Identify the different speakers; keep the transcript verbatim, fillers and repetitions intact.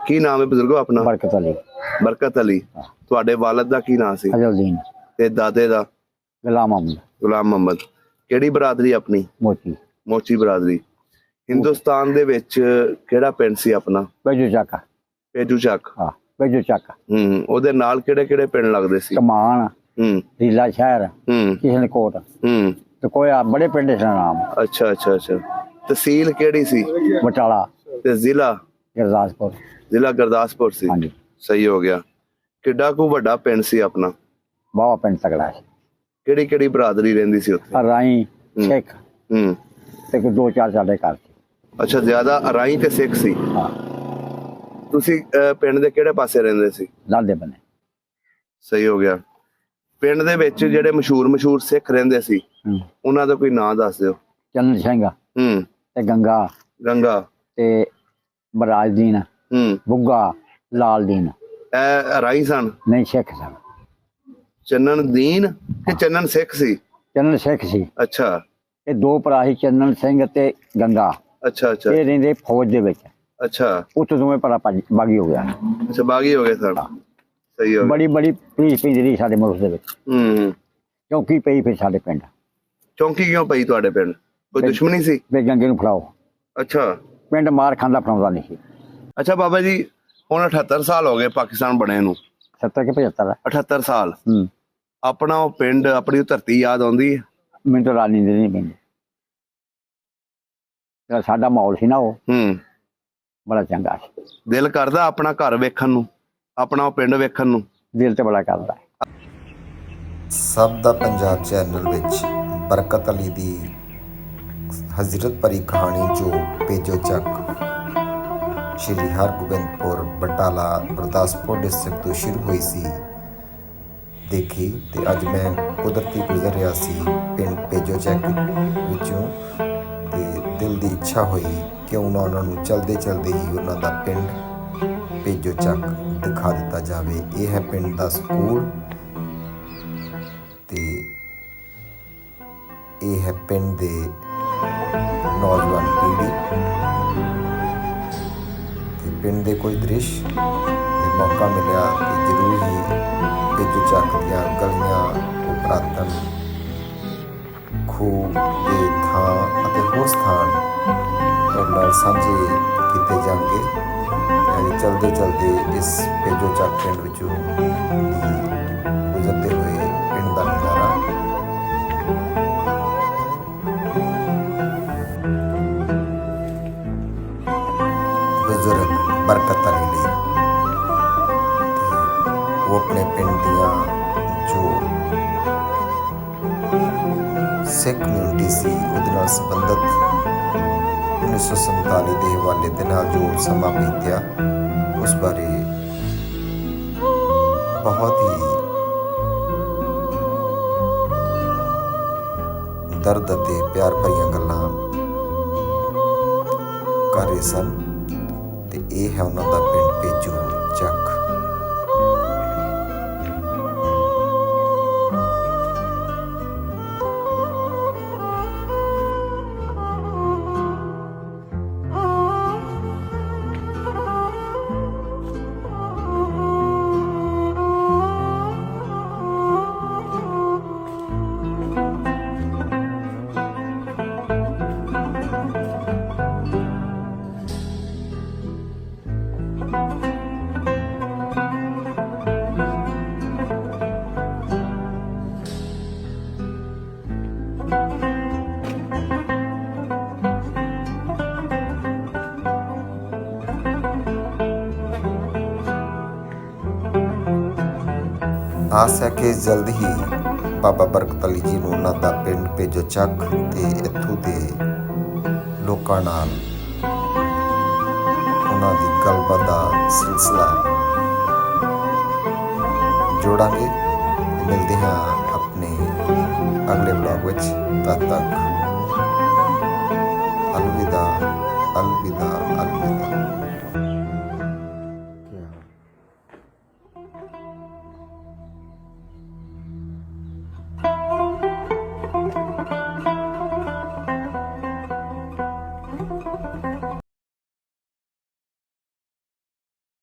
Speaker 1: ਕੀ ਨਾਮ ਹੈ ਬਜ਼ੁਰਗੋ ਆਪਣਾ?
Speaker 2: बरकत अली।
Speaker 1: ਬਰਕਤ ਅਲੀ। ਤੁਹਾਡੇ ਵਾਲਦ ਦਾ ਕੀ ਨਾਮ ਸੀ
Speaker 2: अजलदीन।
Speaker 1: ਤੇ ਦਾਦੇ ਦਾ?
Speaker 2: गुलाम अहमद।
Speaker 1: ਗੁਲਾਮ ਮੁਹੰਮਦ। ਕਿਹੜੀ ਬਰਾਦਰੀ ਆਪਣੀ?
Speaker 2: मोची।
Speaker 1: ਮੋਚੀ ਬਰਾਦਰੀ। ਹਿੰਦੁਸਤਾਨ ਦੇ ਵਿੱਚ ਕਿਹੜਾ ਪਿੰਡ ਸੀ ਆਪਣਾ?
Speaker 2: बेजू चाका।
Speaker 1: ਪੇਜੂ ਚੱਕ।
Speaker 2: हाँ बेजू चाका।
Speaker 1: ਹੂੰ ਉਹਦੇ ਨਾਲ ਕਿਹੜੇ ਕਿਹੜੇ ਪਿੰਡ ਲੱਗਦੇ ਸੀ?
Speaker 2: कमान,
Speaker 1: ਹੂੰ
Speaker 2: रीला शहर,
Speaker 1: ਹੂੰ
Speaker 2: किशनकोट
Speaker 1: ਹੂੰ
Speaker 2: तो कोई आ- बड़े पिंड से नाम।
Speaker 1: ਅੱਛਾ ਅੱਛਾ ਅੱਛਾ। ਤਹਿਸੀਲ ਕਿਹੜੀ ਸੀ
Speaker 2: बटाला,
Speaker 1: ਤੇ ਜ਼ਿਲ੍ਹਾ?
Speaker 2: गुरदासपुर।
Speaker 1: ਜ਼ਿਲ੍ਹਾ ਗੁਰਦਾਸਪੁਰ ਸੀ।
Speaker 2: हाँ जी।
Speaker 1: ਸਹੀ ਹੋ ਗਿਆ। ਕਿੱਡਾ ਕੁ ਵੱਡਾ ਪਿੰਡ ਸੀ ਆਪਣਾ?
Speaker 2: बावा पिंड तगड़ा है।
Speaker 1: ਕਿਹੜੀ ਕਿਹੜੀ ਬਰਾਦਰੀ ਰਹਿੰਦੀ ਸੀ ਉੱਥੇ?
Speaker 2: राई, सिख
Speaker 1: ਹੂੰ
Speaker 2: ते कोई दो चार साढ़े घर थे।
Speaker 1: ਅੱਛਾ ਜ਼ਿਆਦਾ ਅਰਾਈ ਤੇ ਸਿੱਖ ਸੀ।
Speaker 2: हाँ
Speaker 1: ਤੁਸੀਂ ਅਹ, ਪਿੰਡ ਦੇ ਕਿਹੜੇ ਪਾਸੇ ਰਹਿੰਦੇ ਸੀ?
Speaker 2: लादे बने।
Speaker 1: ਸਹੀ ਹੋ ਗਿਆ। ਪਿੰਡ ਦੇ ਵਿੱਚ ਜਿਹੜੇ ਮਸ਼ਹੂਰ ਮਸ਼ਹੂਰ ਸਿੱਖ ਰਹਿੰਦੇ ਸੀ
Speaker 2: हम्म।
Speaker 1: ਉਹਨਾਂ ਦਾ ਕੋਈ ਨਾਂ ਦੱਸ ਦਿਓ।
Speaker 2: चंद सिंह
Speaker 1: ਹੂੰ
Speaker 2: ते गंगा
Speaker 1: ਗੰਗਾ।
Speaker 2: ते बराजदीन,
Speaker 1: ਹੂੰ
Speaker 2: बुग्गा, लालदीन।
Speaker 1: ਇਹ ਅਰਾਈ ਸਨ?
Speaker 2: नहीं सिख सन।
Speaker 1: ਚੰਨਨ ਦੀਨ ਕਿ ਚੰਨਨ ਸਿੱਖ ਸੀ?
Speaker 2: चंद सिख सी।
Speaker 1: ਅੱਛਾ
Speaker 2: ये दो भरा ही चंदन सिंह ते गंगा।
Speaker 1: ਅੱਛਾ ਅੱਛਾ
Speaker 2: ये रहिंदे फौज दे विच।
Speaker 1: ਅੱਛਾ
Speaker 2: उत्थे दोवें भरा भज- बागी हो गया।
Speaker 1: ਅੱਛਾ ਬਾਗੀ ਹੋ ਗਏ ਸਨ। ਸਹੀ ਹੋ ਗਿਆ।
Speaker 2: बड़ी बड़ी पुलिस पैंदी रही साडे मुल्क दे विच।
Speaker 1: ਹੂੰ ਹੂੰ।
Speaker 2: चौकी पई फिर साडे पिंड
Speaker 1: ਚੌਂਕੀ ਕਿਉਂ ਪਈ ਤੁਹਾਡੇ ਪਿੰਡ? ਕੋਈ ਦੁਸ਼ਮਣੀ ਸੀ?
Speaker 2: वे गंगे नूं फड़ाओ।
Speaker 1: ਅੱਛਾ
Speaker 2: पिंड मार खांदा फड़ाउंदा नहीं सी।
Speaker 1: ਅੱਛਾ ਬਾਬਾ ਜੀ ਹੁਣ ਅਠੱਤਰ ਸਾਲ ਹੋ ਗਏ ਪਾਕਿਸਤਾਨ ਬਣੇ ਨੂੰ।
Speaker 2: सत्तर के पचहत्तर।
Speaker 1: ਅਠੱਤਰ ਸਾਲ।
Speaker 2: हूँ
Speaker 1: ਆਪਣਾ ਉਹ ਪਿੰਡ ਆਪਣੀ ਉਹ ਧਰਤੀ ਯਾਦ ਆਉਂਦੀ ਹੈ?
Speaker 2: मैनूं तो रात नींद नहीं पैंदी। ਜਿਹੜਾ ਸਾਡਾ ਮਾਹੌਲ ਸੀ ਨਾ ਉਹ
Speaker 1: ਹੂੰ
Speaker 2: ਬੜਾ ਚੰਗਾ ਸੀ।
Speaker 1: ਦਿਲ ਕਰਦਾ ਆਪਣਾ ਘਰ ਵੇਖਣ ਨੂੰ, ਆਪਣਾ ਉਹ ਪਿੰਡ ਵੇਖਣ ਨੂੰ?
Speaker 2: ਦਿਲ ਤੇ ਬੜਾ ਕਰਦਾ ਹੈ।
Speaker 3: ਸਭ ਦਾ ਪੰਜਾਬ ਚੈਨਲ ਵਿੱਚ ਬਰਕਤ ਅਲੀ ਦੀ ਹਜ਼ਰਤ ਭਰੀ ਕਹਾਣੀ ਜੋ ਪੇਜੋ ਚੱਕ ਸ਼੍ਰੀ ਹਰਗੋਬਿੰਦਪੁਰ ਬਟਾਲਾ ਗੁਰਦਾਸਪੁਰ ਡਿਸਟ੍ਰਿਕਟ ਤੋਂ ਸ਼ੁਰੂ ਹੋਈ ਸੀ ਦੇਖੀ ਤੇ ਅੱਜ ਮੈਂ ਕੁਦਰਤੀ ਗੁਜ਼ਰ ਰਿਹਾ ਸੀ ਪਿੰਡ ਪੇਜੋ ਚੱਕ ਵਿੱਚੋਂ ਤੇ ਦਿਲ ਦੀ ਇੱਛਾ ਹੋਈ ਕਿਉਂ ਨਾ ਉਹਨਾਂ ਨੂੰ ਚਲਦੇ ਚਲਦੇ ਹੀ ਉਹਨਾਂ ਦਾ ਪਿੰਡ ਪੇਜੋ ਚੱਕ ਦਿਖਾ ਦਿੱਤਾ ਜਾਵੇ। ਇਹ ਹੈ ਪਿੰਡ ਦਾ ਸਕੂਲ ਤੇ ਇਹ ਹੈ ਪਿੰਡ ਦੇ ਨੌਜਵਾਨ ਪੀੜ੍ਹੀ ਤੇ ਪਿੰਡ ਦੇ ਕੋਈ ਦ੍ਰਿਸ਼ ਤੇ ਮੌਕਾ ਮਿਲਿਆ ਤੇ ਜ਼ਰੂਰ ਹੀ ਪੇਜੋ ਚੱਕ ਦੀਆਂ ਗਲੀਆਂ ਉਪਰਾਤਨ ਖੂਹ ਦੇ ਥਾਂ ਅਤੇ ਹੋਰ ਸਥਾਨ ਤੁਹਾਡੇ ਨਾਲ ਸਾਂਝੇ ਕੀਤੇ ਜਾਣਗੇ। ਤੇ ਚਲਦੇ ਚਲਦੇ ਇਸ ਪੇਜੋ ਚੱਕ ਪਿੰਡ ਵਿੱਚੋਂ ਦੀ ਗੁਜ਼ਰਦੇ ਹੋਏ ਪਿੰਡ ਦਾ ਨਜ਼ਾਰਾ ਬਜ਼ੁਰਗ ਬਰਕਤ ਅਲੀ ਲਈ ਉਹ ਆਪਣੇ ਪਿੰਡ ਦੀਆਂ ਜੋ ਸਿੱਖ ਕਮਿਊਨਿਟੀ ਸੀ ਉਹਦੇ ਨਾਲ ਸੰਬੰਧਿਤ ਉੱਨੀ ਸੌ ਸੰਤਾਲੀ ਦੇ ਹਵਾਲੇ ਦੇ ਨਾਲ ਜੋ ਸਮਾਂ ਬੀਤਿਆ ਉਸ ਬਾਰੇ ਬਹੁਤ ਹੀ ਦਰਦ ਅਤੇ ਪਿਆਰ ਭਰੀਆਂ ਗੱਲਾਂ ਕਰ ਰਹੇ ਸਨ ਤੇ ਇਹ ਹੈ ਉਹਨਾਂ ਦਾ ਪਿੰਡ ਪੇਜੋ ਚੱਕ। ਆਸ ਹੈ ਕਿ ਜਲਦ ਹੀ ਬਾਬਾ ਬਰਕਤ ਅਲੀ ਜੀ ਨੂੰ ਉਹਨਾਂ ਦਾ ਪਿੰਡ ਪੇਜੋ ਚੱਕ ਤੇ ਇੱਥੋਂ ਦੇ ਲੋਕਾਂ ਨਾਲ ਉਹਨਾਂ ਦੀ ਗੱਲਬਾਤ ਦਾ ਸਿਲਸਿਲਾ ਜੋੜਾਂਗੇ। ਮਿਲਦੇ ਹਾਂ ਆਪਣੇ ਅਗਲੇ ਬਲੌਗ ਵਿੱਚ। ਤਦ ਤੱਕ ਅਲਵਿਦਾ ਅਲਵਿਦਾ ਅਲਵਿਦਾ।